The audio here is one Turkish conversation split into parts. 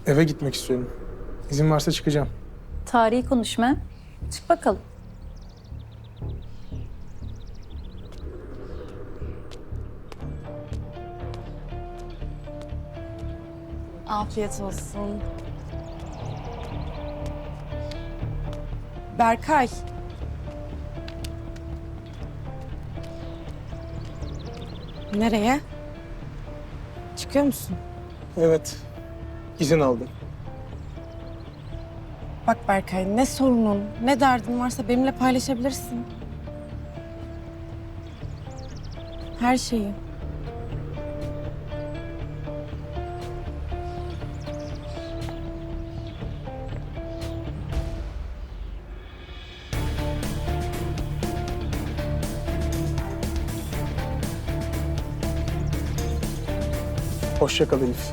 Eve gitmek istiyorum. İzin varsa çıkacağım. Tarihi konuşma. Çık bakalım. Afiyet olsun. Berkay. Nereye? Çıkıyor musun? Evet. İzin aldım. Bak Berkay, ne sorunun, ne derdin varsa benimle paylaşabilirsin. Her şeyi. Hoşça kal Elif.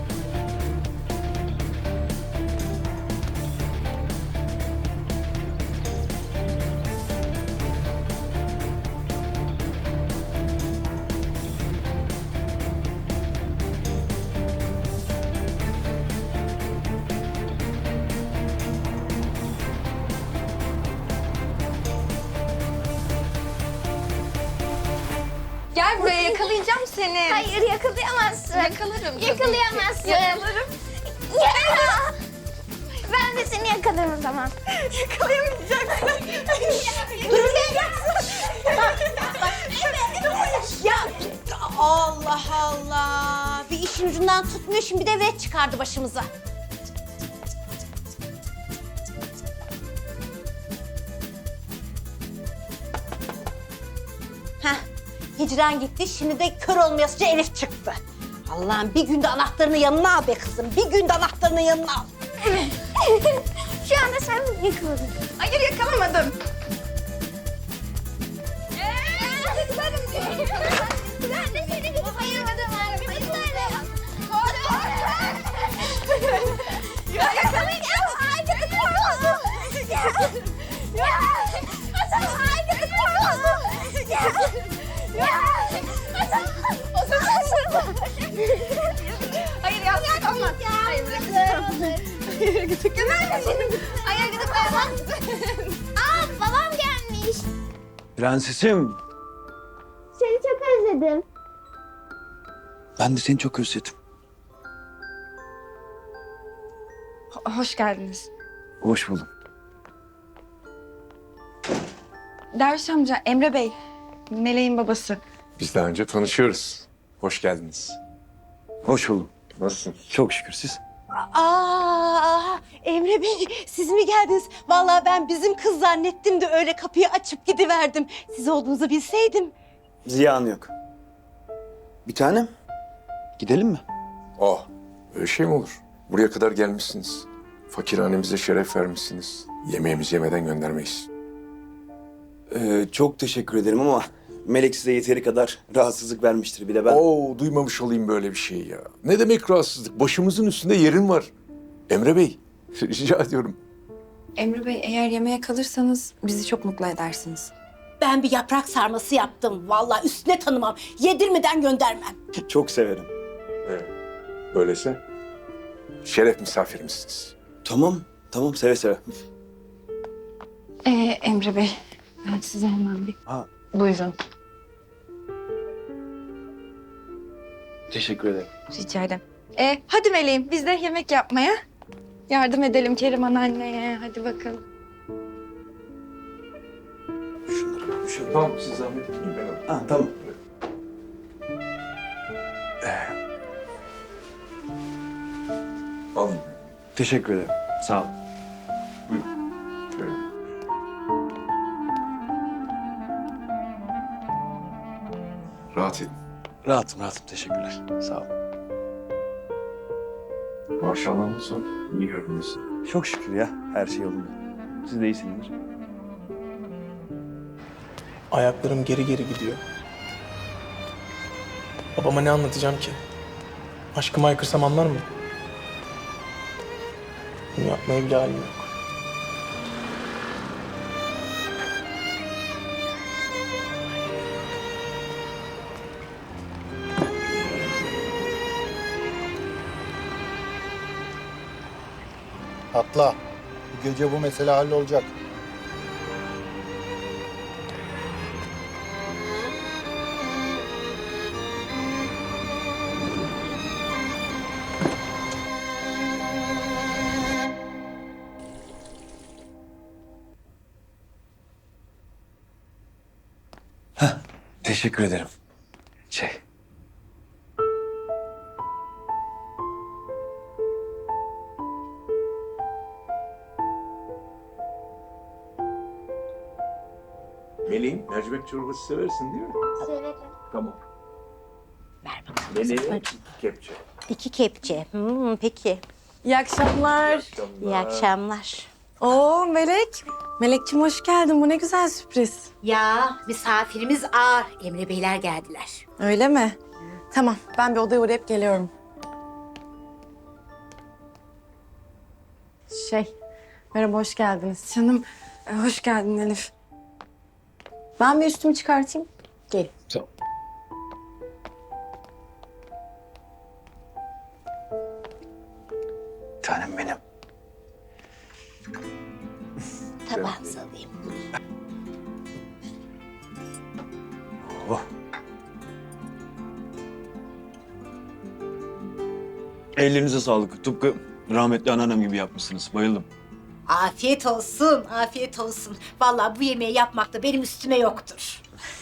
Gel buraya, yakalayacağım seni. Hayır yakalayamazsın. Yakalarım. Yakalayamazsın. Yakalarım. Ya! Ben de seni yakalarım o zaman. Yakalayamayacaksın. Durmayacaksın. Ya Allah Allah. Bir işin ucundan tutmuyor şimdi bir de vet çıkardı başımıza. Heh, hicran gitti şimdi de kör olmayasıca Elif çıktı. Allah'ım bir günde anahtarını yanına al be kızım. Bir günde anahtarını yanına al. Şu anda sen yakaladın. Hayır, yakalamadım. Ben de seni gibi bayılmadım. Ya yakalayacağım. Hayır ya, yakalama. Hayır, Hayır, gidip Hayır, gidip Aa, babam gelmiş. Prensesim. Seni çok özledim. Ben de seni çok özledim. Hoş geldiniz. Hoş buldum. Derviş amca, Emre Bey. Meleğin babası. Biz daha önce tanışıyoruz. Hoş geldiniz. Hoş buldum. Nasılsın? Çok şükür siz. Aa, Emre Bey siz mi geldiniz? Vallahi ben bizim kız zannettim de öyle kapıyı açıp gidiverdim. Siz olduğunuzu bilseydim. Ziyanı yok. Bir tanem. Gidelim mi? Oh, öyle şey mi olur? Buraya kadar gelmişsiniz. Fakirhanemize şeref vermişsiniz. Yemeğimizi yemeden göndermeyiz. Çok teşekkür ederim ama Melek size yeteri kadar rahatsızlık vermiştir bile ben. Oo, duymamış olayım böyle bir şeyi ya. Ne demek rahatsızlık? Başımızın üstünde yerin var. Emre Bey, rica ediyorum. Emre Bey, eğer yemeğe kalırsanız bizi çok mutlu edersiniz. Ben bir yaprak sarması yaptım. Vallahi üstüne tanımam. Yedirmeden göndermem. Çok severim. Öyleyse şeref misafirimizsiniz. Tamam seve seve. Emre Bey, ben size hemen bir... Ha, Buyurun. teşekkür ederim. Rica ederim. Hadi Meleğim, biz de yemek yapmaya yardım edelim Keriman anneye. Hadi bakalım. Şunları. Tamam, siz zahmet etmeyin, ben alayım. Ha, tamam. Alayım. Teşekkür ederim. Sağ ol. Şöyle. Rahat edin. Rahatım. Teşekkürler. Sağ ol. Maşallahınız var. İyi görünüyorsun. Çok şükür ya. Her şey yolunda. Siz de iyisinizdir. Ayaklarım geri geri gidiyor. Babama ne anlatacağım ki? Aşkımı haykırsam anlar mı? Bunu yapmaya bile halim yok. Atla. Bu gece bu mesele hallolacak. Teşekkür ederim. Meleğim, mercimek çorbası seversin değil mi? Severim. Tamam. Ver bakalım. Meleğim, 2 kepçe. 2 kepçe. Peki. İyi akşamlar. İyi akşamlar. Oo Melek. Melekçim hoş geldin. Bu ne güzel sürpriz. Ya misafirimiz ağır. Emre Beyler geldiler. Öyle mi? Tamam ben bir odaya uğrayıp geliyorum. Merhaba hoş geldiniz. Canım hoş geldin Elif. Ben bir üstümü çıkartayım. Gel. Tamam. Tanem benim. Tabağınızı alayım. Oh. Ellerinize sağlık. Tıpkı rahmetli anneannem gibi yapmışsınız. Bayıldım. Afiyet olsun, afiyet olsun. Vallahi bu yemeği yapmakta benim üstüme yoktur.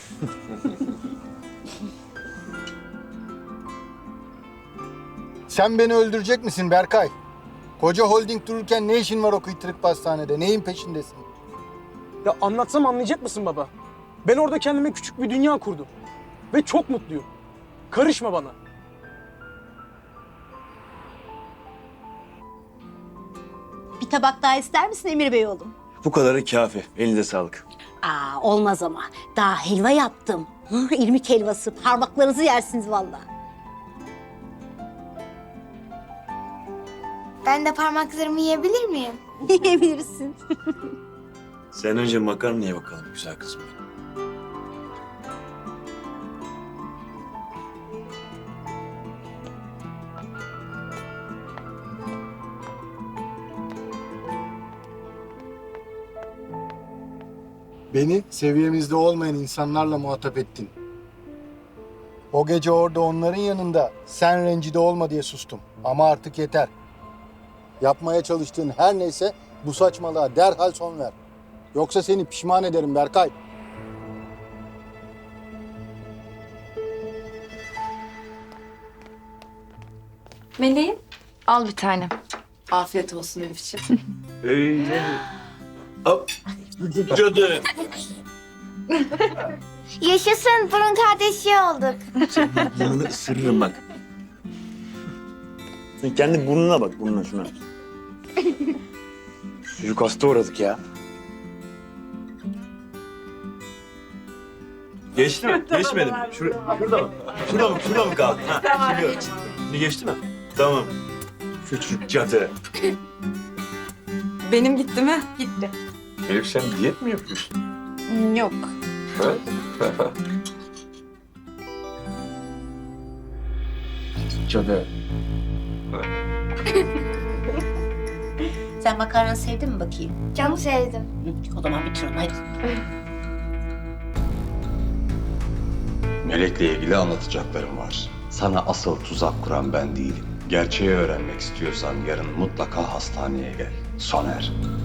Sen beni öldürecek misin Berkay? Koca holding dururken ne işin var o kıytırık pastanede? Neyin peşindesin? Ya anlatsam anlayacak mısın baba? Ben orada kendime küçük bir dünya kurdum. Ve çok mutluyum. Karışma bana. Bir tabak daha ister misin Emir Bey oğlum? Bu kadarı kafi. Elinize sağlık. Olmaz ama. Daha helva yaptım. İrmik helvası. Parmaklarınızı yersiniz vallahi. Ben de parmaklarımı yiyebilir miyim? Yiyebilirsin. Sen önce makarnaya bakalım güzel kızım. Beni seviyemizde olmayan insanlarla muhatap ettin. O gece orada onların yanında sen rencide olma diye sustum. Ama artık yeter. Yapmaya çalıştığın her neyse bu saçmalığa derhal son ver. Yoksa seni pişman ederim Berkay. Meleğim al bir tane. Afiyet olsun Elif'ciğim. Öyle. Hop. Cadı. Yaşasın, burun kardeşi olduk. Burnunu ısırırım bak. Sen kendi burnuna bak, burnuna şuna. Çocuk hasta uğradık ya. Geçti mi? Geçmedi mi? Şurada mı? Şurada mı kaldı? Ha, şimdi geçti mi? Tamam. Küçük cadı. Benim gitti mi? Gitti. Elif sen diyet mi yapıyorsun? Yok. Cadı. Sen makarna sevdin mi bakayım? Çok sevdim. O zaman bitir onu hadi. Melek'le ilgili anlatacaklarım var. Sana asıl tuzak kuran ben değilim. Gerçeği öğrenmek istiyorsan yarın mutlaka hastaneye gel. Soner.